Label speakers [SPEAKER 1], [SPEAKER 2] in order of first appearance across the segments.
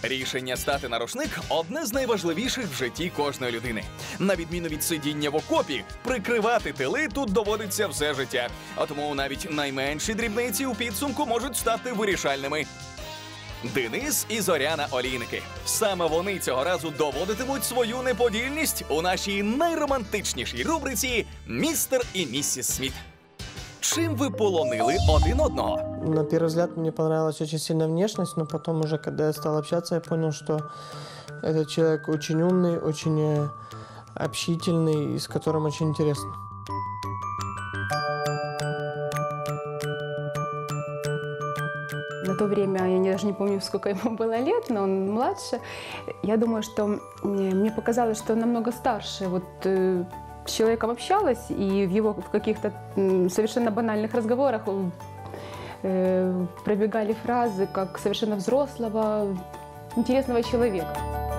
[SPEAKER 1] Рішення стати на рушник – одне з найважливіших в житті кожної людини. На відміну від сидіння в окопі, прикривати тили тут доводиться все життя. А тому навіть найменші дрібниці у підсумку можуть стати вирішальними. Денис і Зоряна Олійники. Саме вони цього разу доводитимуть свою неподільність у нашій найромантичнішій рубриці «Містер і міссис Сміт». Чим ви полонили один одного?
[SPEAKER 2] На первый взгляд мне понравилась очень сильно внешность, но потом уже, когда я стал общаться, я понял, что этот человек очень умный, очень общительный и с которым очень интересно.
[SPEAKER 3] На то время, я даже не помню, сколько ему было лет, но он младше. Я думаю, что мне показалось, что он намного старше. Вот с человеком общалась, и в каких-то совершенно банальных разговорах пробегали фразы, как совершенно взрослого, интересного человека.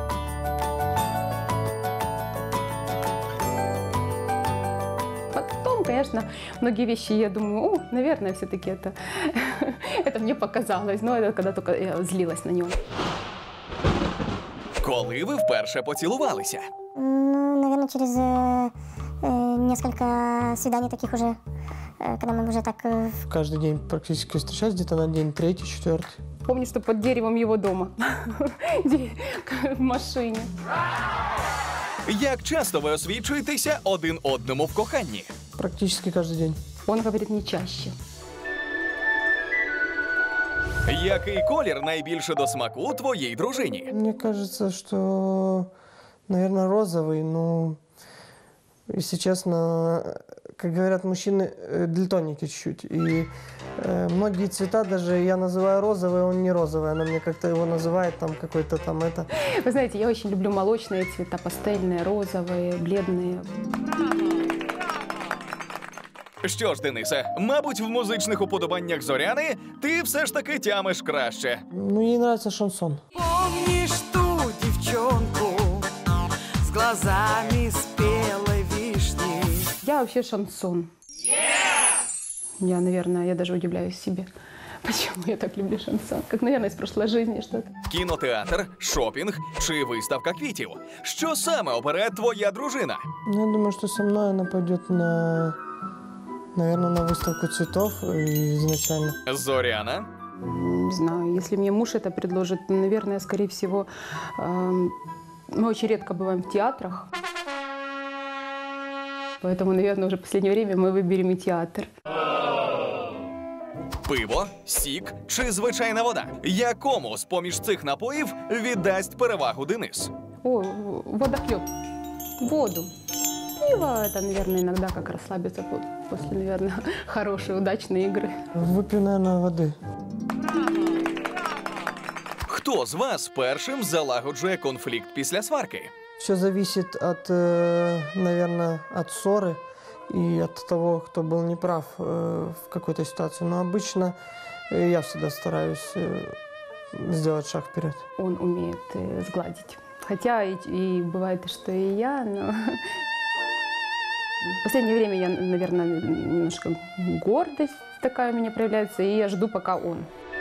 [SPEAKER 3] Потом, конечно, многие вещи, я думаю, наверное, все-таки это мне показалось, но это когда только я злилась на него.
[SPEAKER 1] Коли ви вперше поцілувалися?
[SPEAKER 4] Ну, наверное, через несколько свиданий таких уже, когда мы уже так...
[SPEAKER 2] Каждый день практически встречались, где-то на день третий, четвертый.
[SPEAKER 3] Помню, что под деревом его дома, в машине.
[SPEAKER 1] Як часто ви освічуєтеся один одному в коханні?
[SPEAKER 2] Практически каждый день.
[SPEAKER 3] Он говорит не чаще.
[SPEAKER 1] Який колір найбільше до смаку твоїй дружині?
[SPEAKER 2] Мне кажется, что, наверное, розовый, но, если честно, как говорят мужчины, дальтоники чуть-чуть. И многие цвета даже я называю розовый, он не розовый. Она мне как-то его называет, там какой-то там это.
[SPEAKER 3] Вы знаете, я очень люблю молочные цвета, пастельные, розовые, бледные.
[SPEAKER 1] Що ж, Денисе, мабуть, в музичних уподобаннях Зоряни ти все ж таки тямиш краще.
[SPEAKER 2] Ну, ей нравится шансон.
[SPEAKER 5] Помнишь ту девчонку с глазами спелой вишни?
[SPEAKER 3] Я вообще шансон. Я, наверное, я даже удивляюсь себе, почему я так люблю шансон. Как, наверное, из прошлой жизни что-то.
[SPEAKER 1] Кінотеатр, шопінг чи виставка квітів? Що саме обере твоя дружина?
[SPEAKER 2] Ну, я думаю, что со мной она пойдет на, наверное, на выставку цветов изначально.
[SPEAKER 1] Зоряна?
[SPEAKER 3] Не знаю, если мне муж это предложит, наверное, скорее всего, мы очень редко бываем в театрах. Поэтому, наверное, уже в последнее время мы выберем и театр.
[SPEAKER 1] Пиво, сік чи звичайна вода? Якому з-поміж цих напоїв віддасть перевагу Денис?
[SPEAKER 3] О, водохлеб. Воду. Пиво, это, наверное, иногда как расслабиться после, наверное, хорошей, удачной игры.
[SPEAKER 2] Выпью, наверное, воды.
[SPEAKER 1] Хто з вас першим залагоджує конфлікт після сварки?
[SPEAKER 2] Все зависит от, наверное, от ссоры и от того, кто был неправ в какой-то ситуации. Но обычно я всегда стараюсь сделать шаг вперед.
[SPEAKER 3] Он умеет сгладить. Хотя и бывает, что и я, но... В последнее время я, наверное, немножко гордость такая у меня проявляется, и я жду, пока он.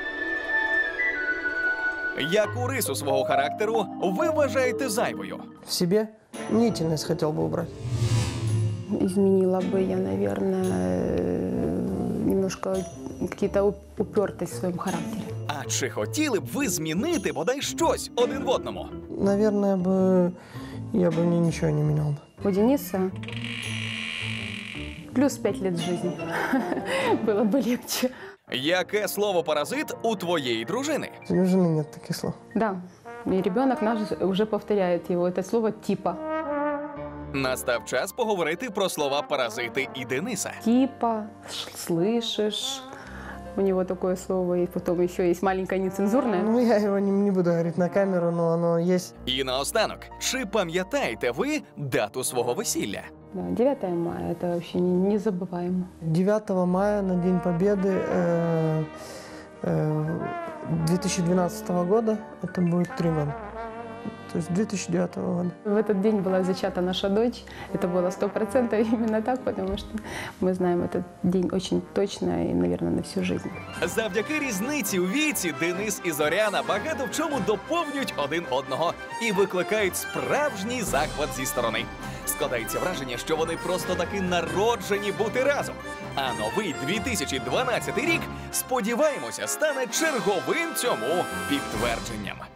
[SPEAKER 1] Яку рису свого характеру ви вважаєте зайвою?
[SPEAKER 2] В себе мнительность хотел бы убрать.
[SPEAKER 3] Изменила бы я, наверное, немножко какие-то упертость в своем характере.
[SPEAKER 1] А чи хотіли б ви змінити бодай щось один в одному?
[SPEAKER 2] Наверное, я бы ничего не менял бы.
[SPEAKER 3] У Дениса плюс 5 лет жизни. Было бы легче.
[SPEAKER 1] Яке слово паразит у твоєї дружини?
[SPEAKER 2] У жены нет таких слов.
[SPEAKER 3] Да, и ребенок наш уже повторяет его. Это слово «типа».
[SPEAKER 1] Настав час поговорити про слова паразити і Дениса.
[SPEAKER 3] Типа, слышишь. У него такое слово, и потом еще есть маленькое нецензурное.
[SPEAKER 2] Ну, я его не буду говорить на камеру, но оно есть.
[SPEAKER 1] І наостанок, чи пам'ятаєте ви дату свого весілля?
[SPEAKER 3] Да, 9 мая, это вообще незабываемо.
[SPEAKER 2] 9 мая на День Победы 2012 года, это будет 3 года. то есть 2009 года.
[SPEAKER 3] В этот день была зачата наша дочь. Это было 100% именно так, потому что мы знаем этот день очень точно и, наверное, на всю жизнь.
[SPEAKER 1] Завдяки різниці у віці Денис і Зоряна багато в чому доповнюють один одного і викликають справжній захват зі сторони. Складається враження, що вони просто таки народжені бути разом. А новий 2012 рік, сподіваємося, стане черговим цьому підтвердженням.